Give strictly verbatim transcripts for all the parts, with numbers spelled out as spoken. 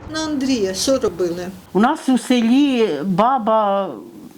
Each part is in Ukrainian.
На Андрія що робили? У нас у селі баба,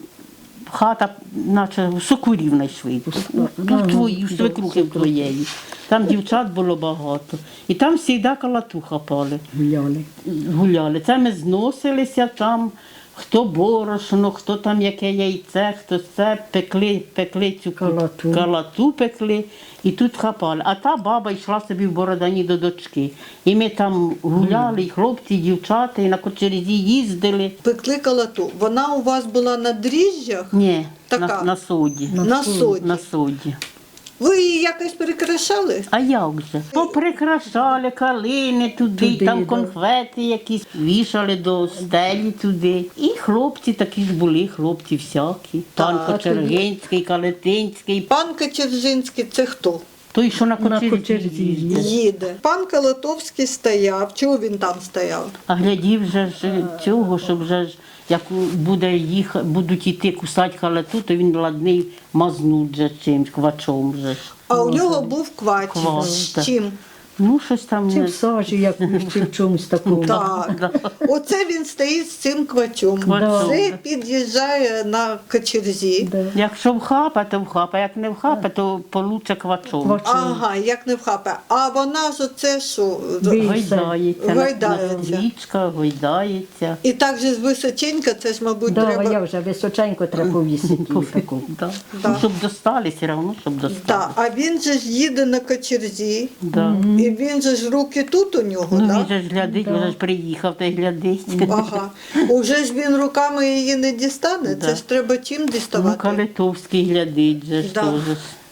хата, наче сокурів знайшли. Тут твої, у свекрухи твоєї. Там дівчат було багато. І там завжди калатуха пали. Гуляли. Гуляли. Це ми зносилися там, хто борошно, хто там яке яйце, хто це, пекли, пекли цю Калату. калату пекли і тут хапали. А та баба йшла собі в Бородані до дочки. І ми там гуляли, і хлопці, і дівчата, і на кочерзі їздили. Пекли калату. Вона у вас була на дріжджах? Ні, Така? на, на соді. На соді. На соді. Ви її якось перекрашали? А як же? Поприкрашали калини туди, Туди, там да. конфети якісь вішали до стелі туди. І хлопці такі ж були, хлопці всякі. Пан Так. Кочергинський, Калетинський. Пан Кочержинський – це хто? Той, що на кочерзі кочерзі їздив. Їде. Пан Калатовський стояв. Чого він там стояв? А глядів вже ж цього, щоб вже ж, як буде їх, будуть йти кусати халату, то він ладний мазнуть вже чимсь, квачом вже. ж. А у нього був квач. Квач, З так. чим? Ну, щось там. Чи не- в сажі якусь, чи в чомусь такому. Так. Оце він стоїть з цим квачом. Квачом, Це да. під'їжджає на Кочерзі. Да. Якщо вхапа, то вхапа, як не вхапа, то получше квачом. Квачом. Ага, як не вхапе. А вона ж оце що? Ви- Гойдається, на- Гойдається. на річка, гойдається. І так же з височенька, це ж, мабуть, Да, треба. я вже височенько треба повісити її таку. Да. Да. Ну, щоб достали, все одно, щоб достали. Так, а він же ж їде на Кочерзі, Да. і він же ж руки тут у нього, Ну, так? він же ж глядить, він же ж приїхав та й глядить. Ага. Уже ж він руками її не дістане, Да. це ж треба чим Ну, діставати? Калитовський глядить же ж Да. теж.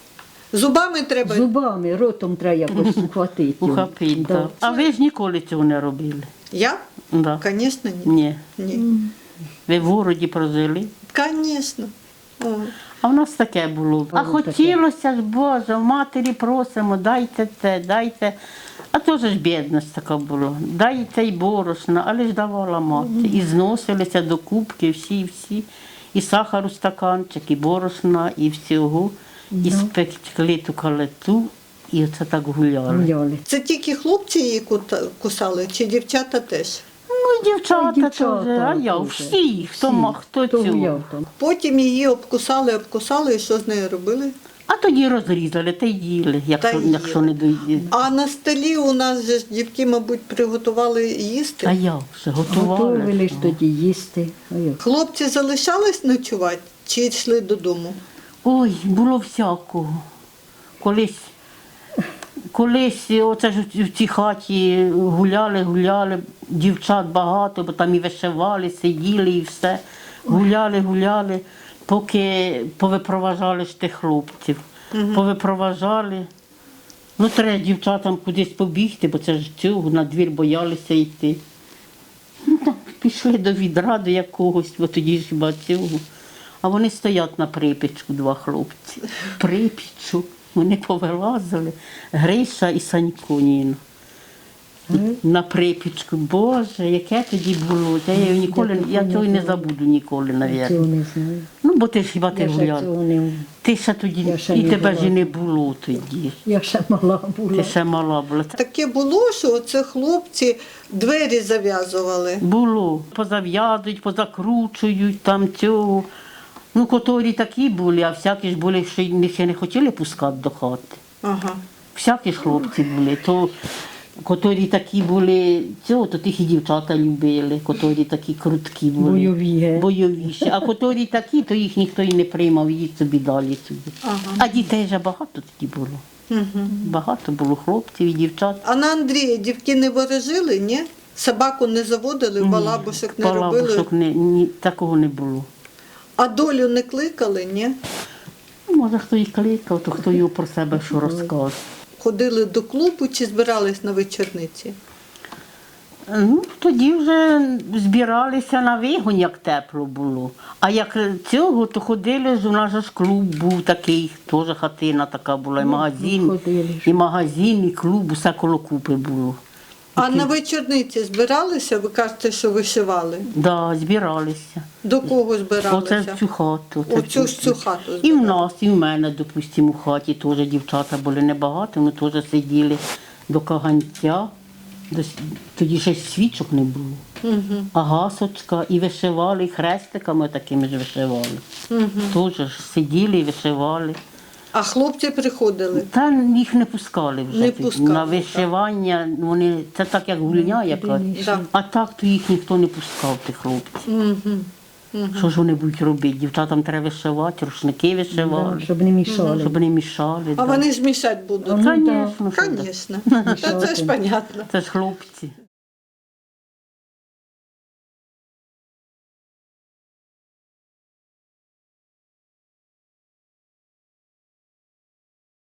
Зубами треба. Зубами, ротом треба якось ухватити. Ухопить, Да. да. А ви ж ніколи цього не робили? Я? Да. Звісно, ні. Ні. Ні. Ви в городі прожили? Звісно. О. А в нас таке було. А Було таке. хотілося ж, Боже, в матері просимо, дайте це, дайте. А теж ж бідність така була. Дайте й борошна, але ж давала мати. І зносилися до кубки всі-всі. І сахару стаканчик, і борошна, і всього. І спекли ту калиту, і оце так гуляли. Гуляли. Це тільки хлопці її кута- кусали, чи дівчата теж? Ну, і дівчата, Та й дівчата теж, а я, теж. всі, хто, Всі, ма- хто хто цього. гуляв там. Потім її обкусали, обкусали, і що з нею робили? А тоді розрізали та й їли, якщо, Та їли. якщо не доїли. А на столі у нас же ж дівки, мабуть, приготували їсти. А як же, готували? Готовили ж тоді їсти. А як? Хлопці залишались ночувати чи йшли додому? Ой, було всякого. Колись, колись оце ж в цій хаті гуляли, гуляли, дівчат багато, бо там і вишивали, сиділи і все. Гуляли, гуляли, поки повипроважали ж тих хлопців. Повипроважали. Ну, треба дівчатам кудись побігти, бо це ж цього, на двір боялися йти. Ну, так, пішли до відра, до якогось, бо тоді ж хіба цього. А вони стоять на припічку, два хлопці. Припічу. Вони повилазили. Гриша і Санько Ніна. На припічку. Боже, яке тоді було. Я, його ніколи, я цього і не забуду ніколи, Цього мабуть. не знаю. Ну, бо ти ж хіба ти Я ще гуляла. цього не... Ти ще тоді, Я ще і не тебе ж і була. не було тоді. Я ще мала була. Ти ще мала була. Таке було, що оце хлопці двері зав'язували. Було. Позав'язують, позакручують, там цього. Ну, котрі такі були, а всякі ж були, що їх ще не хотіли пускати до хати. Ага. Всякі ж хлопці були. То, котрі такі були, цього, то тих і дівчата любили, котрі такі круткі були. Бойові, ге. Бойовіші. А котрі такі, то їх ніхто і не приймав, їдь собі далі собі. Ага. А дітей вже багато тоді було. Угу. Багато було хлопців і дівчат. А на Андрія дівки не ворожили, ні? Собаку не заводили, балабушок не робили. Балабушок не, ні, такого не було. А долю не кликали, ні? Ну, може, хто і кликав, то хто його про себе що розказує. Ходили до клубу чи збирались на вечорниці? Ну, тоді вже збиралися на вигон, як тепло було. А як цього, то ходили ж, у нас же ж клуб був такий, теж хатина така була, і магазин, ходили ж. і магазин, і клуб, усе коло купи було. А на вечорниці збиралися? Ви кажете, що вишивали. Так, да, збиралися. До кого Оце збиралися? в цю хату. оце Оцю в ж цю хату І в збирали. нас, і в мене, допустимо, у хаті теж дівчата були небагато, ми теж сиділи до каганця. До с- Тоді ще й свічок не було. А гасочка, і вишивали, і хрестиками такими ж вишивали. Теж ж сиділи і вишивали. А хлопці приходили. Та їх не пускали вже. Не під- пускали, на так. вишивання. Вони, це так як гульня якась. Да. А так то їх ніхто не пускав, тих хлопців. Що ж вони будуть робити? Дівчатам треба вишивати, рушники вишивали, Да, щоб не мішали. щоб не мішали. А да. вони ж мішати будуть. Ну, да. Звісно, що да. Звісно. Та це ж понятно. Це ж хлопці.